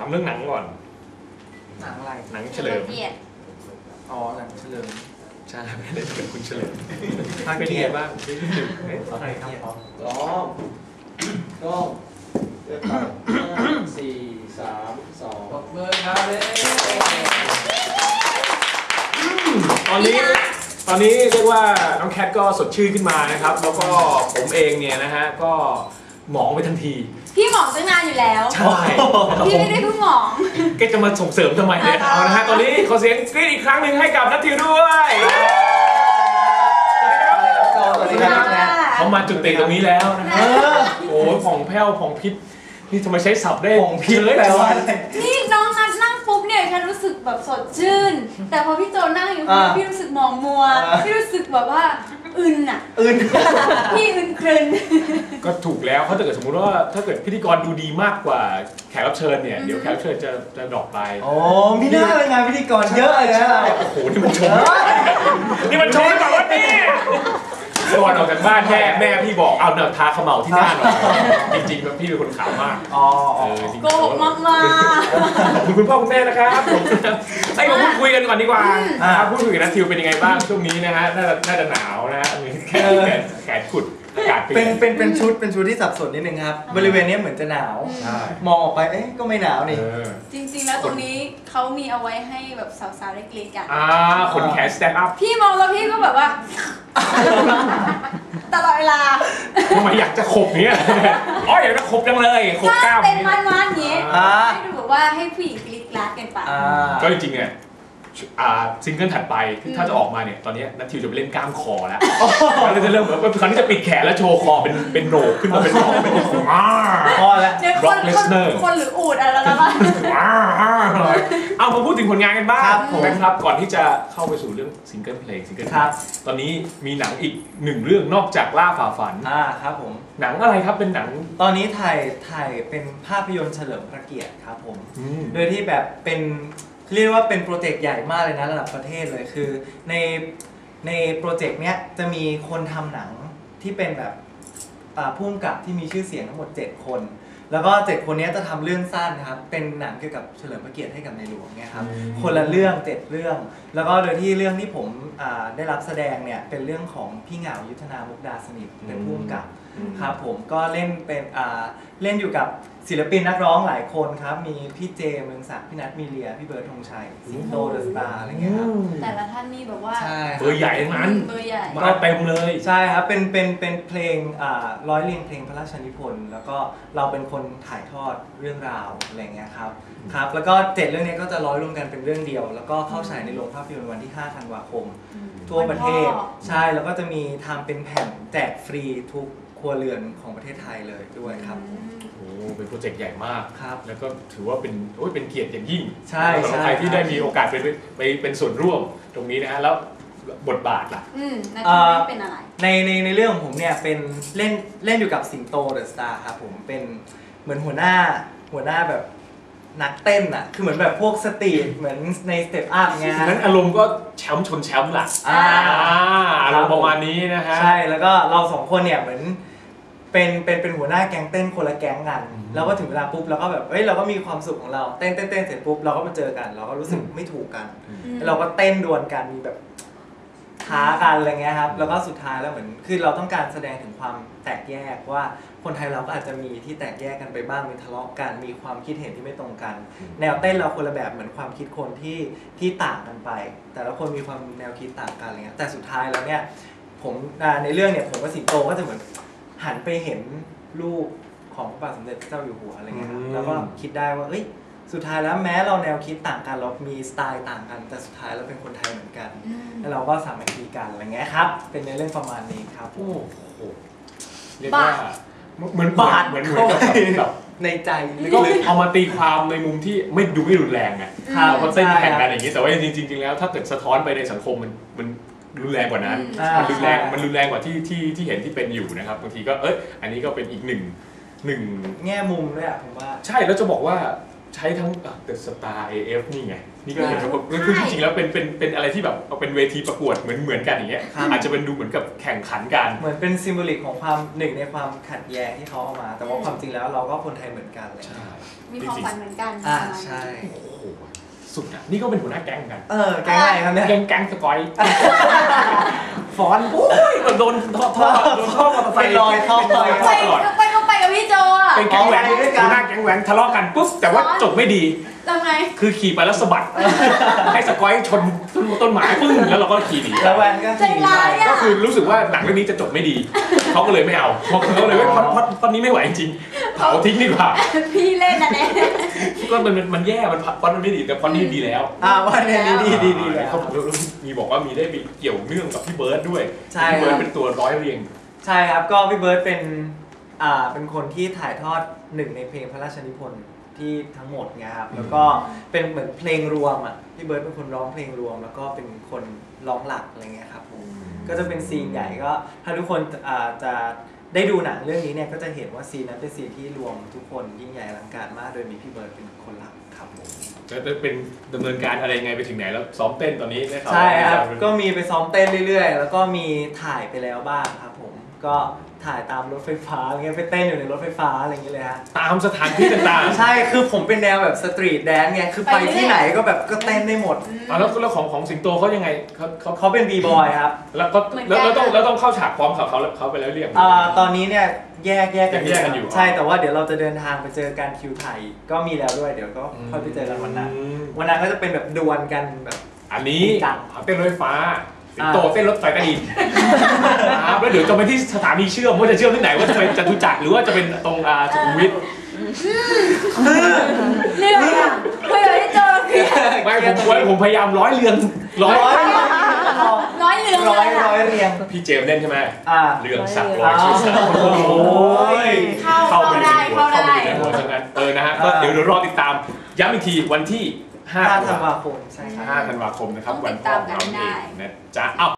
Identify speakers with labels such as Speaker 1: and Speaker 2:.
Speaker 1: เรื่องหนังก่อน
Speaker 2: หนังอะไร
Speaker 1: หนังเฉลิม
Speaker 2: อ๋อหนังเฉลิม
Speaker 1: ใช่ไม่ได้เป็นคุณเฉลิม
Speaker 2: เป็น
Speaker 1: ยังไงบ้าง
Speaker 2: ใครครับอ๋อก็4 3 2เบอร์ครับเลย
Speaker 1: ตอนนี้เรียกว่าน้องแคทก็สดชื่นขึ้นมานะครับแล้วก็ผมเองเนี่ยนะฮะก็หมองไปทันที
Speaker 3: พี่หมองตั้งนานอยู่แล้ว
Speaker 1: ใช่
Speaker 3: พี่ไม่ได้เพิ่งหมอง
Speaker 1: แกจะมาส่งเสริมทำไมเนี่ยเอานะฮะตอนนี้ขอเสียงกรี๊ดอีกครั้งหนึ่งให้กับนัททิวด้วย
Speaker 2: สวัสดีครับ
Speaker 1: เขามาจุดติตรงนี้แล้วนะฮะโอ้ยผ่องแผ้วผ่องพิษนี่ทำไมใช้ศัพท์ได้
Speaker 2: ผ่องพิษแปลว่า
Speaker 3: นี่น้องนัทนั่งปุ๊บเนี่ยฉันรู้สึกแบบสดชื่นแต่พอพี่โจนั่งอยู่พี่รู้สึกมองมัวพี่รู้สึกแบบว่าอึนอ่ะพี่อึนครึน
Speaker 1: ก็ถูกแล้วเพราะถ้าเกิดสมมุติว่าถ้าเกิดพิธีกรดูดีมากกว่าแขกรับเชิญเนี่ยเดี๋ยวแขกรับเชิญจะดรอปไป
Speaker 2: อ๋อมีหน้าเป็นงานพิธีกรเยอะเลยนะ
Speaker 1: โอ้โหนี่มันชมแบบว่านี่ก่อนออกจากบ้านแม่พี่บอกเอาเนี่ยทาขมเหลาที่หน้าหน่อยจริงๆพี่เป็นคนขาวมาก
Speaker 3: โกหกมาก
Speaker 1: ขอบคุณคุณพ่อคุณแม่นะครับผมให้มาพูดคุยกันก่อนดีกว่าพูดคุยกับนัททิวเป็นยังไงบ้างช่วงนี้นะฮะน่าจะหนาวนะฮะแขนขุดอากาศ
Speaker 2: เป็นชุดที่สับสนนิดนึงครับบริเวณนี้เหมือนจะหนาวมองออกไปก็ไม่หนาวนี่
Speaker 3: จริงๆแล้วตรงนี้เขามีเอาไว้ให้แบบสาวๆได้กรี๊ดกัน
Speaker 1: ขนแขนสแตนด์อัพ
Speaker 3: พี่มองแล้วพี่ก็แบบว่าตลอดเวลา
Speaker 1: ทำไมอยากจะขบเนี้ยอยากจะขบจังเลยขบกล้าม
Speaker 3: เป็นมันอย่างเงี้ยให้ดูแบบว่าให้ผู้หญิงกรี๊ดกราดกันไป
Speaker 1: ก็จริงๆเนี่ยซิงเกิลถัดไปถ้าจะออกมาเนี่ยตอนนี้นัททิวจะไปเล่นกล้ามคอแล้วเราจะเริ่มแบบคราวนี้จะปิดแขนแล้วโชว์คอเป็นโหนกขึ้นมาเป็นโหนกเป็น
Speaker 2: คอแล้ว
Speaker 3: คนหรืออูดอะไรแล้วล่ะ
Speaker 1: เอามาพูดถึงผลงานกันบ้างนะครับก่อนที่จะเข้าไปสู่เรื่องซิงเกิลเพลงซิงเกิลตอนนี้มีหนังอีก1เรื่องนอกจากล่าฝ่าฝัน
Speaker 2: ครับผม
Speaker 1: หนังอะไรครับเป็นหนัง
Speaker 2: ตอนนี้ถ่ายเป็นภาพยนตร์เฉลิมพระเกียรติครับผมโดยที่แบบเป็นเรียกว่าเป็นโปรเจกต์ใหญ่มากเลยนะระดับประเทศเลยคือในโปรเจกต์เนี้ยจะมีคนทำหนังที่เป็นแบบผู้กำกับที่มีชื่อเสียงทั้งหมด7คนแล้วก็7คนนี้จะทำเรื่องสั้นนะครับเป็นหนังเกี่ยวกับเฉลิมพระเกียรติให้กับในหลวงเนี่ยครับคนละเรื่อง7เรื่องแล้วก็โดยที่เรื่องที่ผมได้รับแสดงเนี่ยเป็นเรื่องของพี่เหงายุทธนามุกดาสนิทเป็นผู้กำกับครับผมก็เล่นเป็นเล่นอยู่กับศิลปินนักร้องหลายคนครับมีพี่เจเมืองศักดิ์พี่นัทมีเลียพี่เบิร์ดธงชัยสิงโตเดอะสตาร์อะไรเงี้ยครับ
Speaker 3: แต่ละท่านนี่แบบว่า
Speaker 1: เบอร์ใหญ่นั้น
Speaker 3: เบอร์ใหญ่
Speaker 1: มาเต็มเลย
Speaker 2: ใช่ครับเป็นเพลงร้อยเรียงเพลงพระราชนิพนธ์แล้วก็เราเป็นคนถ่ายทอดเรื่องราวอะไรเงี้ยครับแล้วก็7เรื่องนี้ก็จะร้อยรวมกันเป็นเรื่องเดียวแล้วก็เข้าฉายในโรงภาพยนตร์วันที่5 ธันวาคมทั่วประเทศใช่แล้วก็จะมีทำเป็นแผ่นแจกฟรีทุกครัวเรือนของประเทศไทยเลยด้วยครับ
Speaker 1: โอ้เป็นโปรเจกต์ใหญ่มาก
Speaker 2: ครับ
Speaker 1: แล้วก็ถือว่าเป็นเกียรติอย่างยิ่ง
Speaker 2: ใช่
Speaker 1: สำหรับใครที่ได้มีโอกาสไปเป็นส่วนร่วมตรงนี้นะฮะแล้วบทบาทล่ะ
Speaker 3: เป็นอะไร
Speaker 2: ในเรื่องของผมเนี่ยเป็นเล่นอยู่กับสิงโตเดอะสตาร์ครับผมเป็นเหมือนหัวหน้าแบบนักเต้นอ่ะคือเหมือนแบบพวกสตรีทเหมือนในสเต็ปอัพไง
Speaker 1: นั้นอารมณ์ก็แชมป์ชนแชมป์ล่ะอารมณ์ประมาณนี้นะฮะ
Speaker 2: ใช่แล้วก็เรา2คนเนี่ยเหมือนเป็นหัวหน้าแก๊งเต้นคนละแก๊งกันแล้วก็ถึงเวลาปุ๊บเราก็แบบเราก็มีความสุขของเราเต้นเสร็จปุ๊บเราก็มาเจอกันเราก็รู้สึกไม่ถูกกันเราก็เต้นดวลกันมีแบบท้ากันอะไรเงี้ยครับแล้วก็สุดท้ายแล้วเหมือนคือเราต้องการแสดงถึงความแตกแยกว่าคนไทยเราก็อาจจะมีที่แตกแยกกันไปบ้างมีทะเลาะกันมีความคิดเห็นที่ไม่ตรงกันแนวเต้นเราคนละแบบเหมือนความคิดคนที่ต่างกันไปแต่ละคนมีความแนวคิดต่างกันอะไรเงี้ยแต่สุดท้ายแล้วเนี่ยผมในเรื่องเนี่ยผมกับสิงโตก็จะเหมือนหันไปเห็นรูปของพระบาทสมเด็จพระเจ้าอยู่หัวอะไรเงี้ยครับแล้วก็คิดได้ว่าสุดท้ายแล้วแม้เราแนวคิดต่างกันเรามีสไตล์ต่างกันแต่สุดท้ายเราเป็นคนไทยเหมือนกันแล้วเราก็สามัคคีกันอะไรเงี้ยครับเป็นในเรื่องประมาณนี้ครับ
Speaker 1: โอ้โหเรียกว่าเหมือนบาดเหมือนกับ
Speaker 2: ในใจ
Speaker 1: ก็เลยเอามาตีความในมุมที่ไม่รุนแรงไงเราก็เต้นแข่งกันอย่างนี้แต่ว่าจริงๆแล้วถ้าเกิดสะท้อนไปในสังคมมันรุนแรงกว่านั้นมันรุนแรงกว่าที่เห็นที่เป็นอยู่นะครับบางทีก็อันนี้ก็เป็นอีกหนึ่ง
Speaker 2: แง่มุมด้วยผมว่า
Speaker 1: ใช่แล้วจะบอกว่าใช้ทั้งเดอะสตาร์ AF นี่ไงนี่ก็เห็นว่าคือจริงๆแล้วเป็นอะไรที่แบบเป็นเวทีประกวดเหมือนกันอย่างเงี้ยอาจจะเป็นดูเหมือนกับแข่งขันกัน
Speaker 2: เหมือนเป็นซิมโบลิกของความหนึ่งในความขัดแย้งที่เขาเอามาแต่ว่าความจริงแล้วเราก็คนไทยเหมือนกันเลย
Speaker 3: มีความฝันเหมือนกัน
Speaker 2: ใช่
Speaker 1: โอ้โหสุดอ่ะนี่ก็เป็นหัวหน้าแก๊งกัน
Speaker 2: แก๊งอะไรครับเนี่ย
Speaker 1: แก๊งสกอย
Speaker 2: ฟอนโอ้
Speaker 1: ยโดนท่อมอเตอร์ไซค์
Speaker 2: ลอยท่อลอย
Speaker 3: ไปก็ไปกับพี่โจอ่ะ
Speaker 1: เป็นแก๊งแหวนหัวหน้าแก๊งแหวนทะเลาะกันปุ๊บแต่ว่าจบไม่ดี
Speaker 3: ทำไง
Speaker 1: คือขี่ไปแล้วสะบัดให้สกอยชนต้นไม้ปึ้งแล้วเราก็ขี่หนี
Speaker 2: แล้วแวนก็ขี่
Speaker 1: ก็คือรู้สึกว่าหนังเรื่องนี้จะจบไม่ดีเขาก็เลยไม่เอาเขาเลยว่าพอดนี้ไม่ไหวจริงเผาทิ้งดีกว่า
Speaker 3: พี่เล่นนะเนี่ย
Speaker 1: ก็มันแย่มันพอดมันไม่ดีแต่พอดนี้ดีแล้ว
Speaker 2: วันนี้ดีแล้ว
Speaker 1: เขามีบอกว่ามีได้ไปเกี่ยวเนื่องกับพี่เบิร์ดด้วย
Speaker 2: พี่
Speaker 1: เบิร์ดเป็นตัวร้อยเรียง
Speaker 2: ใช่ครับก็พี่เบิร์ดเป็นคนที่ถ่ายทอดหนึ่งในเพลงพระราชนิพนธ์ที่ทั้งหมดไงครับแล้วก็เป็นเหมือนเพลงรวมอ่ะพี่เบิร์ดเป็นคนร้องเพลงรวมแล้วก็เป็นคนร้องหลักอะไรเงี้ยครับผมก็จะเป็นซีนใหญ่ก็ถ้าทุกคนจะได้ดูหนังเรื่องนี้เนี่ยก็จะเห็นว่าซีนนั้นเป็นซีนที่รวมทุกคนยิ่งใหญ่อลังการมากโดยมีพี่เบิร์ดเป็นคนหลักครับผม
Speaker 1: จะเป็นดำเนินการอะไรไงไปถึงไหนแล้วซ้อมเต้นตอนนี้
Speaker 2: ใช่ครับก็มีไปซ้อมเต้นเรื่อยๆแล้วก็มีถ่ายไปแล้วบ้างครับผมก็ถ่ายตามรถไฟฟ้าอะไรเงี้ยไปเต้นอยู่ในรถไฟฟ้าอะไรอย่างเงี้ยเลยฮะ
Speaker 1: ตามสถานที่ต่าง
Speaker 2: ๆใช่คือผมเป็นแนวแบบสตรีทแดนซ์ไงคือไปที่ไหนก็แบบก็เต้นได้หมด
Speaker 1: แล้วของสิงโตเขายังไง
Speaker 2: เขาเป็นบีบอยครับ
Speaker 1: แล้วต้องเข้าฉากพร้อมเขาไปแล้วเรียก
Speaker 2: ตอนนี้เนี่ยแยกกันอยู่ใช่แต่ว่าเดี๋ยวเราจะเดินทางไปเจอกันคิวไทยก็มีแล้วด้วยเดี๋ยวก็ค่อยไปเจอกันวันนั้นก็จะเป็นแบบดวลกันแบบ
Speaker 1: อันนี้เต้นรถไฟฟ้าสิงโตเต้นรถไฟใต้ดินแล้วเดี๋ยวจะไปที่สถานีเชื่อมว่าจะเชื่อมที่ไหนว่าจะเป็นจตุจักรหรือว่าจะเป็นตรงสุขุมวิท
Speaker 3: เรื่องอะเพื่อที่จะ
Speaker 1: ไม่ผมพยายามร้อยเรียง
Speaker 3: ร้อยเรียง
Speaker 1: พี่เจมเล่นใช่ไหมเรื่องสักร้อยชื่อสักเข้าไปในหัวทั้งนั้นนะฮะก็เดี๋ยวรอติดตามย้ำอีกทีวันที่5
Speaker 2: ธันวาคมใช่ครับ
Speaker 1: 5 ธันวาคมนะครับวันพ่อของเราเองนะจ๊ะ